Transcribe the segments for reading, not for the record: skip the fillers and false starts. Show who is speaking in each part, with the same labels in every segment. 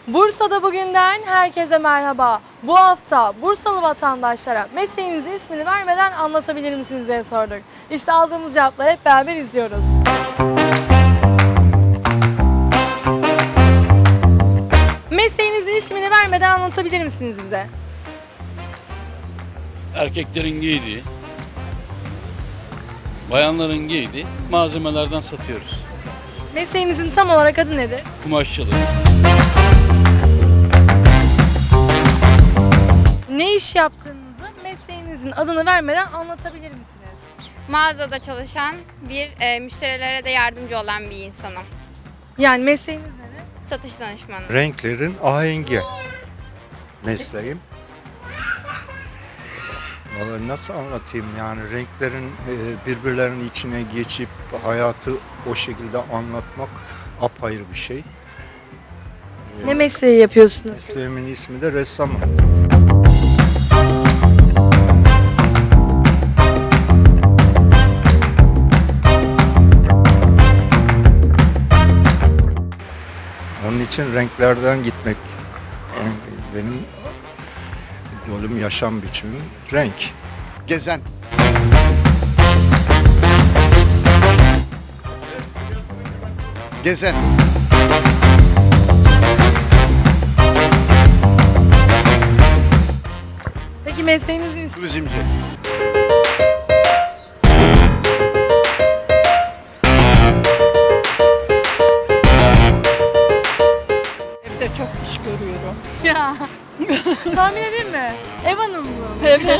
Speaker 1: Bursa'da bugünden herkese merhaba. Bu hafta Bursalı vatandaşlara mesleğinizin ismini vermeden anlatabilir misiniz diye sorduk. İşte aldığımız cevapları hep beraber izliyoruz. Mesleğinizin ismini vermeden anlatabilir misiniz bize?
Speaker 2: Erkeklerin giydiği, bayanların giydiği malzemelerden satıyoruz.
Speaker 1: Mesleğinizin tam olarak adı nedir?
Speaker 2: Kumaşçılık.
Speaker 1: Ne iş yaptığınızı mesleğinizin adını vermeden anlatabilir misiniz?
Speaker 3: Mağazada çalışan müşterilere de yardımcı olan bir insanım.
Speaker 1: Yani mesleğiniz nedir?
Speaker 3: Satış danışmanı.
Speaker 4: Renklerin ahengi mesleğim. Vallahi nasıl anlatayım, yani renklerin birbirlerinin içine geçip hayatı o şekilde anlatmak apayrı bir şey.
Speaker 1: Ne mesleği yapıyorsunuz?
Speaker 4: Mesleğimin ismi de ressamım. Onun için renklerden gitmek yani benim idolüm, yaşam biçimim renk.
Speaker 5: Gezen. Gezen.
Speaker 1: Peki mesleğinizin ismi?
Speaker 5: Turizmci.
Speaker 6: Evde çok iş görüyorum.
Speaker 1: Ya. Tahmin edeyim mi? Ev hanımı mı?
Speaker 6: Evet.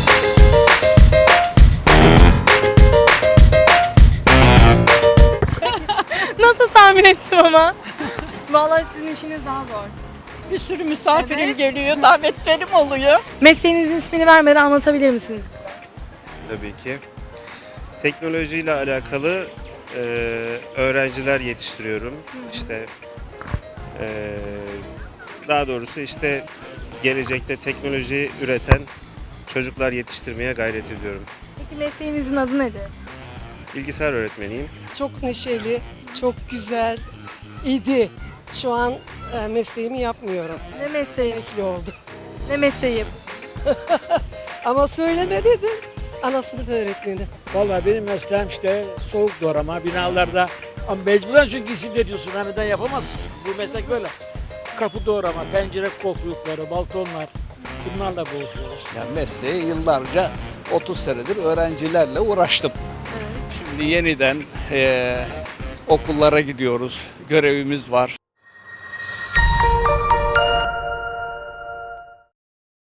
Speaker 1: Nasıl tahmin ettim ama? Vallahi sizin işiniz daha zor.
Speaker 6: Bir sürü misafirim
Speaker 1: Evet.
Speaker 6: geliyor, davetlerim oluyor.
Speaker 1: Mesleğinizin ismini vermeden anlatabilir misiniz?
Speaker 7: Tabii ki. Teknolojiyle alakalı öğrenciler yetiştiriyorum. İşte daha doğrusu işte gelecekte teknoloji üreten çocuklar yetiştirmeye gayret ediyorum.
Speaker 1: Peki mesleğinizin adı nedir?
Speaker 7: Bilgisayar öğretmeniyim.
Speaker 8: Çok neşeli, çok güzel idi. Şu an mesleğimi yapmıyorum.
Speaker 1: Ne mesleği?
Speaker 8: Emekli oldum.
Speaker 1: Ne mesleği yapıyorsunuz?
Speaker 8: Ama söyleme dedim. Ana sınıf öğretmeni.
Speaker 9: Vallahi benim mesleğim işte soğuk doğrama binalarda, ama mecburen çünkü isim veriyorsun, neden yapamazsın. Bu meslek böyle. Kapı doğrama, pencere koltukları, balkonlar, bunlarla boğuşuyoruz.
Speaker 10: Yani mesleği yıllarca 30 senedir öğrencilerle uğraştım. Şimdi yeniden okullara gidiyoruz, görevimiz var.